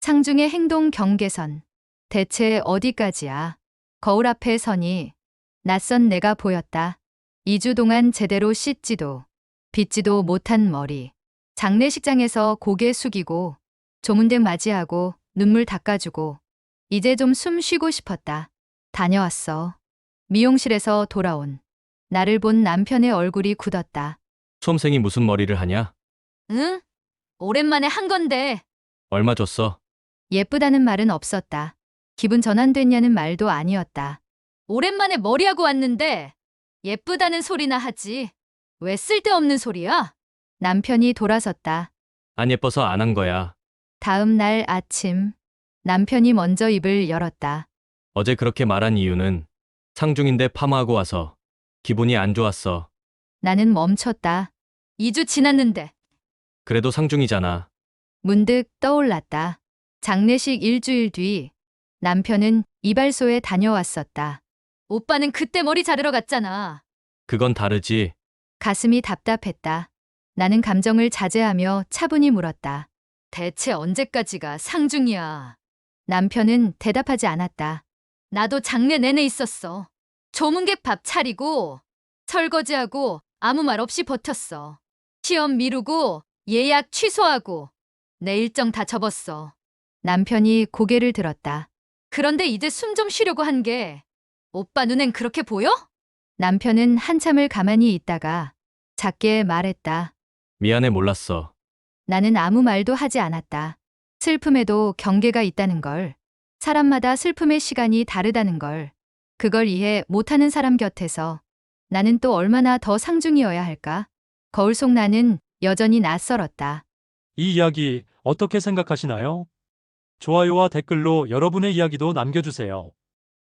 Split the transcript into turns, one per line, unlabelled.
상중의 행동 경계선. 대체 어디까지야? 거울 앞에 서니 낯선 내가 보였다. 2주 동안 제대로 씻지도 빗지도 못한 머리. 장례식장에서 고개 숙이고 조문댁 맞이하고 눈물 닦아주고 이제 좀 숨 쉬고 싶었다. 다녀왔어. 미용실에서 돌아온 나를 본 남편의 얼굴이 굳었다.
수험생이 무슨 머리를 하냐?
응? 오랜만에 한 건데.
얼마 줬어?
예쁘다는 말은 없었다. 기분 전환됐냐는 말도 아니었다. 오랜만에 머리하고 왔는데 예쁘다는 소리나 하지. 왜 쓸데없는 소리야? 남편이 돌아섰다.
안 예뻐서 안 한 거야.
다음 날 아침 남편이 먼저 입을 열었다.
어제 그렇게 말한 이유는 상중인데 파마하고 와서 기분이 안 좋았어.
나는 멈췄다. 2주 지났는데.
그래도 상중이잖아.
문득 떠올랐다. 장례식 일주일 뒤 남편은 이발소에 다녀왔었다. 오빠는 그때 머리 자르러 갔잖아.
그건 다르지.
가슴이 답답했다. 나는 감정을 자제하며 차분히 물었다. 대체 언제까지가 상중이야? 남편은 대답하지 않았다. 나도 장례 내내 있었어. 조문객 밥 차리고 설거지하고 아무 말 없이 버텼어. 시험 미루고 예약 취소하고 내 일정 다 접었어. 남편이 고개를 들었다. 그런데 이제 숨 좀 쉬려고 한 게 오빠 눈엔 그렇게 보여? 남편은 한참을 가만히 있다가 작게 말했다.
미안해 몰랐어.
나는 아무 말도 하지 않았다. 슬픔에도 경계가 있다는 걸, 사람마다 슬픔의 시간이 다르다는 걸, 그걸 이해 못하는 사람 곁에서 나는 또 얼마나 더 상중이어야 할까? 거울 속 나는 여전히 낯설었다.
이 이야기 어떻게 생각하시나요? 좋아요와 댓글로 여러분의 이야기도 남겨주세요.